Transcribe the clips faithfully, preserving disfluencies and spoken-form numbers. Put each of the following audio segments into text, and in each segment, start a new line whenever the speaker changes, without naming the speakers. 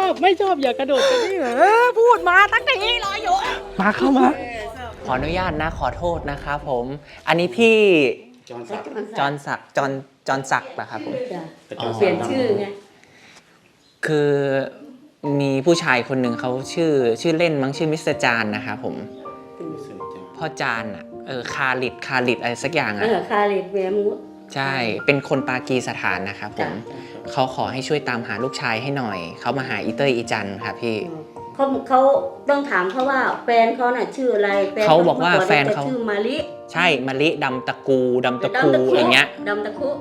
อบไม่ชอบอย่ากระโดดกันนี่เหรอพูดมาตั้งแต่นี้รออยู่มาเข้ามาขออนุญาตนะขอโทษนะครับผมอันนี้พี่จอนศักดิ์จอนศักดิ์จอนจอนศักดิ์นะครับผม
เปลี่ยนชื่อไง
คือมีผู้ชายคนหนึ่งเขาชื่อชื่อเล่นมั้งชื่อมิสเตอร์จานนะครับผมพ่อจานอ่ะเออคาลิดคาลิดอะไรสักอย่างอ่ะ
เออคาลิดเวมุส
ใช่เป็นคนปากีสถานนะครับผมเขาขอให้ช่วยตามหาลูกชายให้หน่อยเขามาหาอีเตอร์อีจันครับพี่
เขาเขาต้องถามเขาว่าแฟนเขาน่ะชื่ออะไร
เขาบอกว่าแฟนเขา
ชื่อมาลิ
ใช่มาลิดำตะกูดำตะกูอย่างเงี้ย
ดำตะคุ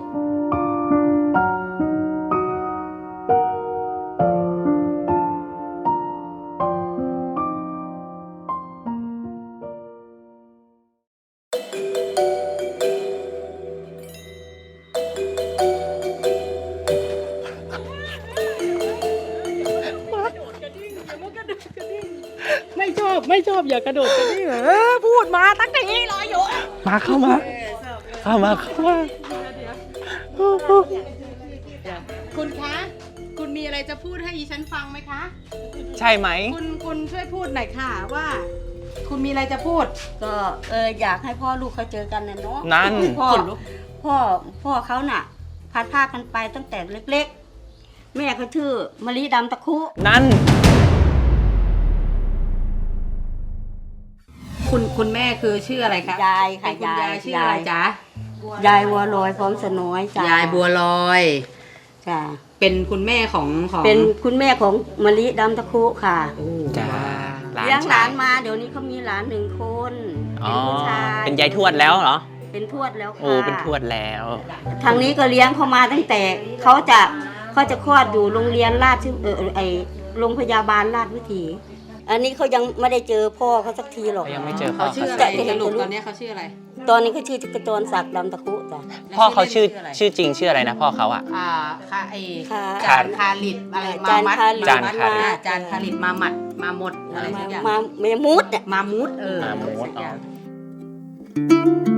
ไม่ชอบไม่ชอบอย่ากระโดดกันนี่เหรอพูดมาตั้งแต่นี้รออยู่มาเข้ามาเข้ามาเข้ามา
คุณคะคุณมีอะไรจะพูดให้ดิฉันฟังไหมคะ
ใช่ไหม
คุณคุณช่วยพูดหน่อยค่ะว่าคุณมีอะไรจะพูด
ก็เอออยากให้พ่อลูกเขาเจอกันนะเนาะ
นั่น
พ่อพ่อพ่อเขาน่ะพัดพากันไปตั้งแต่เล็กๆแม่เขาชื่อมะลิดำตะคุ
นั่น
คุณคุณแม่คือชื่ออะไรคะ
ยายค่ะ
ยายชื่ออะไรจ๊ะ
ยายบัวลอยพร้อมสน้อยจ้ะ
ยายบัวลอย
จ้ะ
เป็นคุณแม่ของของ
เป็นคุณแม่ของมะลิดำตะคุค่ะ
จ้า
เลี้ยงหลานมาเดี๋ยวนี้เขามีหลานหนึ่งคนเป็นผู้ชาย
เป็นยายทวดแล้วเหรอ
เป็นทวดแล้วค่ะ
โอ้เป็นทวดแล้ว
ทางนี้ก็เลี้ยงเขามาตั้งแต่เขาจะเขาจะคลอดอยู่โรงเรียนราชเออไอโรงพยาบาลราชวิถีอันนี้เขายังไม่ได้เจอพ่อเขาสักทีหรอก
ยังไม่เจอ
เขาชื่ออะไรสรุปตอนนี้เขาชื่ออะไร
ตอนนี้เขาชื่อกระจรศักดิ์ดำตะคุจ้ะ
พ่อเขาชื่อชื่อจริงชื่ออะไรนะพ่อเขาอ่ะ
อ่าคาไอ
จาน
คาลิดอะไรมามัด
จานคาลิด
จานคาลิดมามัดมาหมดอะไรสักอย่าง
มาเมมุด
มามุดเออ
มามุดอ๋อ